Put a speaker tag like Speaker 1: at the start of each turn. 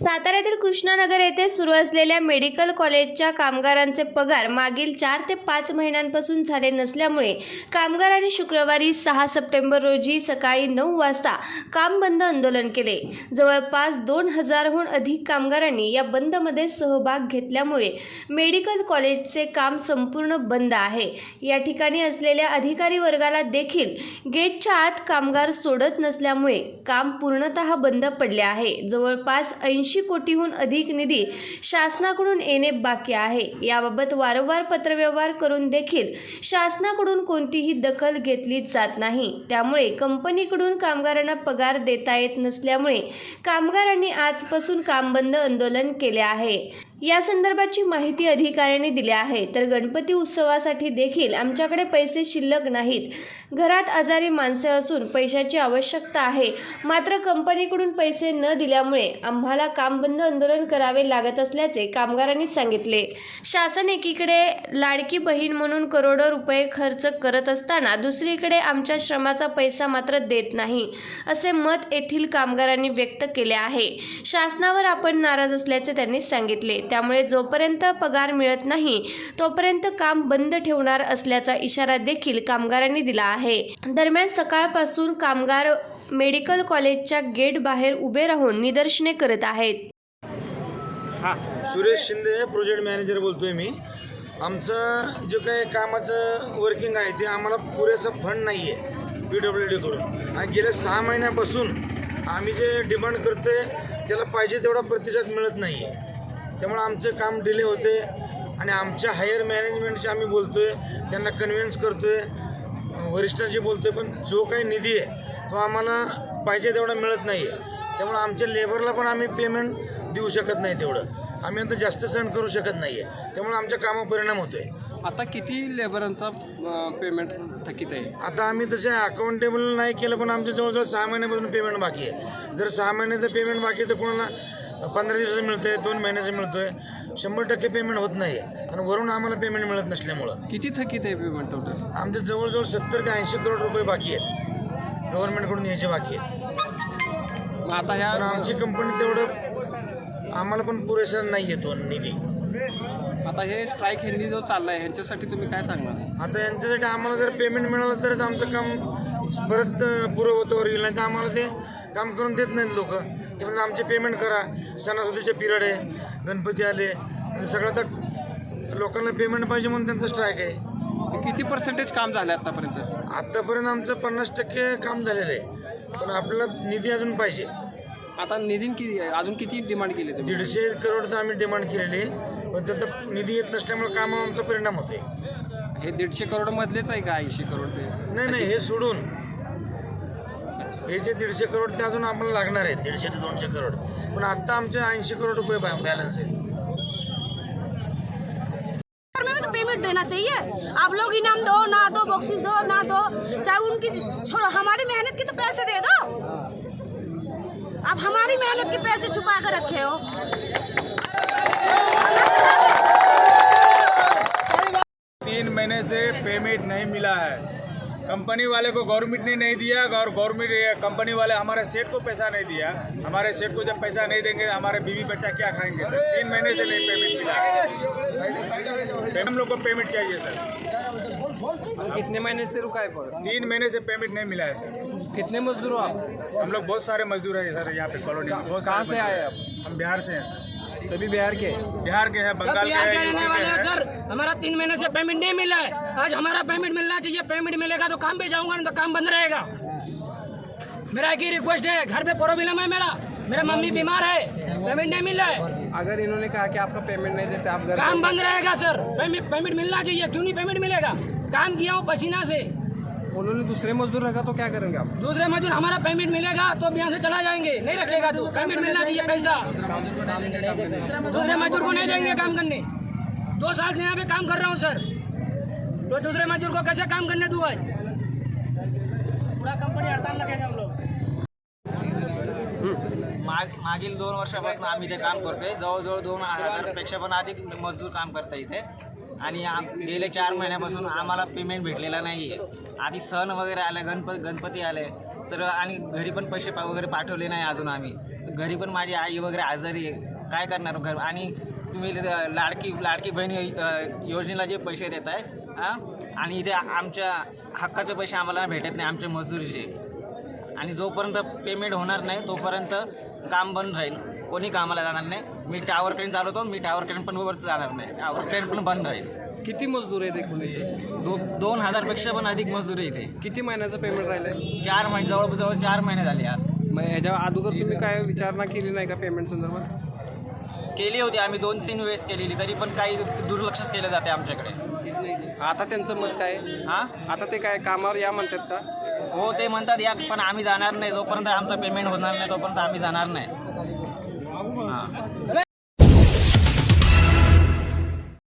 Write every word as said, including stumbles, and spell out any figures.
Speaker 1: साताऱ्यातील कृष्णानगर येथे सुरू असलेल्या मेडिकल कॉलेजच्या कामगारांचे पगार मागील चार ते पाच महिन्यांपासून झाले नसल्यामुळे कामगारांनी शुक्रवारी सहा सप्टेंबर रोजी सकाळी नऊ वाजता काम बंद आंदोलन केले। जवळपास दोन हजारहून अधिक कामगारांनी या बंदमध्ये सहभाग घेतल्यामुळे मेडिकल कॉलेजचे काम संपूर्ण बंद आहे। या ठिकाणी असलेल्या अधिकारी वर्गाला देखील गेटच्या आत कामगार सोडत नसल्यामुळे काम पूर्णतः बंद पडले आहे। जवळपास ऐंशी कोटीहून अधिक निधी शासनाकडून येणे बाकी आहे। याबाबत वारंवार पत्रव्यवहार करून देखील शासनाकडून कोणतीही दखल घेतली जात नाही। त्यामुळे कंपनीकडून कामगारांना पगार देता येत नसल्यामुळे कामगारांनी आजपासून काम बंद आंदोलन केले आहे। या संदर्भाची माहिती अधिकाऱ्यांनी दिली आहे। तर गणपती उत्सवासाठी देखील आमच्याकडे पैसे शिल्लक नाहीत। घरात आजारी माणसे असून पैशाची आवश्यकता आहे, मात्र कंपनीकडून पैसे न दिल्यामुळे आम्हाला काम बंद आंदोलन करावे लागत असल्याचे कामगारांनी सांगितले। शासन एकीकडे लाडकी बहीण म्हणून करोडो रुपये खर्च करत असताना दुसरीकडे आमच्या श्रमाचा पैसा मात्र देत नाही, असे मत येथील कामगारांनी व्यक्त केले आहे। शासनावर आपण नाराज असल्याचे त्यांनी सांगितले। त्यामुळे जोपर्यंत पगार मिळत नाही तोपर्यंत काम बंद ठेवणार असल्याचा इशारा देखील कामगारांनी दिला आहे। दरम्यान सकाळपासून कामगार मेडिकल कॉलेजच्या गेट बाहेर उभे राहून निदर्शने करत आहेत।
Speaker 2: हा, सुरेश शिंदे प्रोजेक्ट मॅनेजर बोलतोय मी। आमचं जे काही कामाचं वर्किंग आहे ते आम्हाला पुरेसं फंड नाही आहे पी डब्ल्यू डी कडून, आणि गेल्या सहा महिन्यापासून आम्ही जे डिमांड करतोय त्याला पाहिजे तेवढा प्रतिसाद मिळत नाही आहे। त्यामुळे आमचं काम डिले होते आणि आमच्या हायर मॅनेजमेंटशी आम्ही बोलतोय, त्यांना कन्व्हिन्स करतोय, वरिष्ठांशी बोलतोय, पण जो काही निधी आहे तो आम्हाला पाहिजे तेवढा मिळत नाही आहे। त्यामुळे आमच्या लेबरला पण आम्ही पेमेंट देऊ शकत नाही तेवढं, आम्ही आता जास्त सहन करू शकत नाही आहे। त्यामुळे आमच्या कामावर परिणाम होतोय।
Speaker 3: आता किती लेबरांचा पेमेंट थकीत आहे? आता
Speaker 2: आम्ही तसे अकाउंटेबल नाही केलं, पण आमच्या जवळजवळ सहा महिन्यापासून पेमेंट बाकी आहे। जर सहा महिन्याचं पेमेंट बाकी आहे तर कोणाला पंधरा दिवसाचं मिळतंय, दोन महिन्याचं मिळतोय, शंभर टक्के पेमेंट होत नाही आहे। आणि वरून आम्हाला पेमेंट मिळत नसल्यामुळं
Speaker 3: किती थकीत आहे पेमेंट टोटल?
Speaker 2: आमच्या जवळजवळ सत्तर ते ऐंशी करोड रुपये बाकी आहेत, गव्हर्नमेंटकडून यायचे बाकी आहेत।
Speaker 3: मग आता ह्या
Speaker 2: आमची कंपनी तेवढं आम्हाला पण पुरेसा नाही येतो निधी।
Speaker 3: आता हे स्ट्राईक ह्यांनी जो चालला आहे ह्यांच्यासाठी तुम्ही काय सांगणार?
Speaker 2: आता यांच्यासाठी आम्हाला जर पेमेंट मिळालं तरच आमचं काम परत पूर्ववतावर येईल, नाही तर आम्हाला ते काम करून देत नाहीत लोक। ते म्हणजे आमचे पेमेंट करा, सणासुदीचे पिरियड आहे, गणपती आले, सगळं तर लोकांना पेमेंट पाहिजे म्हणून त्यांचं स्ट्राईक आहे।
Speaker 3: किती पर्सेंटेज काम झालं आतापर्यंत?
Speaker 2: आत्तापर्यंत आमचं पन्नास टक्के काम झालेलं आहे, पण आपल्याला निधी अजून पाहिजे।
Speaker 3: आता निधी किती अजून किती डिमांड केली तुम्ही?
Speaker 2: दीडशे करोडचं आम्ही डिमांड केलेली आहे, पण त्याचा निधी येत नसल्यामुळे कामावर आमचा परिणाम होतोय।
Speaker 3: हे दीडशे करोड मधलेच आहे का ऐंशी करोड?
Speaker 2: नाही नाही, हे सोडून हे जे दीडशे करोड ते अजून आम्हाला लागणार आहेत, दीडशे ते दोनशे करोड, पण आता आमचे ऐंशी करोड रुपये बॅलन्स आहे।
Speaker 4: पेमेंट देना चाहिए। आप लोग इनाम दो ना दो, बॉक्सेस दो ना दो, चाहे उनकी छोड़ो, हमारी मेहनत के तो पैसे दे दो। आप हमारी मेहनत के पैसे छुपा कर रखे हो।
Speaker 5: तीन महीने से पेमेंट नहीं मिला है। कंपनी वाले को गवर्नमेंट ने नहीं दिया, और गवर्नमेंट कंपनी वाले हमारे सेठ को पैसा नहीं दिया। हमारे सेठ को जब पैसा नहीं देंगे हमारे बीवी बच्चा क्या खाएंगे सर? तीन महीने से नहीं पेमेंट मिला। हम लोग को पेमेंट चाहिए सर।
Speaker 3: कितने महीने से रुका है? पर
Speaker 5: तीन महीने से पेमेंट नहीं मिला है सर।
Speaker 3: कितने मजदूर हो आप?
Speaker 5: हम लोग बहुत सारे मजदूर हैं सर यहाँ पे कॉलोनी में।
Speaker 3: कहाँ से आए आप?
Speaker 5: हम बिहार से हैं सर।
Speaker 3: सभी बिहार के?
Speaker 5: बिहार के हैं, बंगाल के
Speaker 6: बिहार के
Speaker 5: हैं,
Speaker 6: रहने
Speaker 5: यूपी
Speaker 6: वाले
Speaker 5: के
Speaker 6: हैं
Speaker 5: हैं।
Speaker 6: सर। हमारा तीन महीने से पेमेंट नहीं मिला है। आज हमारा पेमेंट मिलना चाहिए। पेमेंट मिलेगा तो काम पे जाऊंगा, नहीं तो काम बंद रहेगा। मेरा एक ही रिक्वेस्ट है, घर पे प्रॉब्लम है मेरा मेरा मम्मी बीमार है, पेमेंट नहीं मिल रहा है।
Speaker 3: अगर इन्होंने कहा कि आपका पेमेंट नहीं देते आप घर
Speaker 6: काम बंद रहेगा सर। पेमेंट पेमेंट मिलना चाहिए। क्यों नहीं पेमेंट मिलेगा? काम किया हूँ पसीना से।
Speaker 3: उन्होंने दूसरे मजदूर रखा तो क्या करेंगे आप?
Speaker 6: दूसरे मजदूर हमारा पेमेंट मिलेगा तो यहाँ से चला जाएंगे, नहीं रखेगा तो पेमेंट मिलना चाहिए पैसा। दूसरे मजदूर को नहीं देंगे काम करने। दो साल से यहाँ पे काम कर रहा हूँ सर, तो दूसरे मजदूर को कैसे काम करने दूँ? आज पूरा कंपनी हड़ताल लगेगा हम लोग।
Speaker 7: माग मागील दोन वर्षापासून आम्ही इथे काम करतोय। जवळजवळ दोन हजारपेक्षा पण अधिक मजदूर काम करतात इथे, आणि आम गेले चार महिन्यापासून आम्हाला पेमेंट भेटलेला नाही आहे। आधी सण वगैरे आले, गणपती गणपती आले, तर आणि घरी पण पैसे पा वगैरे पाठवले नाही अजून आम्ही. घरी पण माझी आई वगैरे आजारी आहे, काय करणार घर. आणि तुम्ही लाडकी लाडकी बहीण योजनेला जे पैसे देत आहे हां, आणि इथे आमच्या हक्काचे पैसे आम्हाला भेटत नाही आमच्या मजदुरीचे. आणि जोपर्यंत पेमेंट होणार नाही तोपर्यंत काम बंद राहील, कोणी कामाला जाणार नाही. मी टावर ट्रेन चालवतो, मी टावर ट्रेन पण वर जाणार नाही, टावर ट्रेन पण बंद राहील.
Speaker 3: किती मजदूर आहेत एकूण इथे?
Speaker 7: दो दोन हजारपेक्षा पण अधिक मजदूर आहे इथे.
Speaker 3: किती महिन्याचं पेमेंट राहिलंय?
Speaker 7: चार महिने जवळजवळ चार महिने झाले आज.
Speaker 3: मग ह्याच्या अगोदर तुम्ही काय विचारणा केली नाही का पेमेंट संदर्भात?
Speaker 7: केली होती आम्ही, दोन तीन वेळेस केलेली, तरी पण काही दुर्लक्षच केलं जाते आमच्याकडे.
Speaker 3: आता त्यांचं मत काय आहे?
Speaker 7: हां,
Speaker 3: आता ते काय कामावर या म्हणतात का?
Speaker 7: हो ते म्हणतात या, पण आम्ही जाणार नाही जोपर्यंत आमचं पेमेंट होणार नाही तोपर्यंत आम्ही जाणार नाही.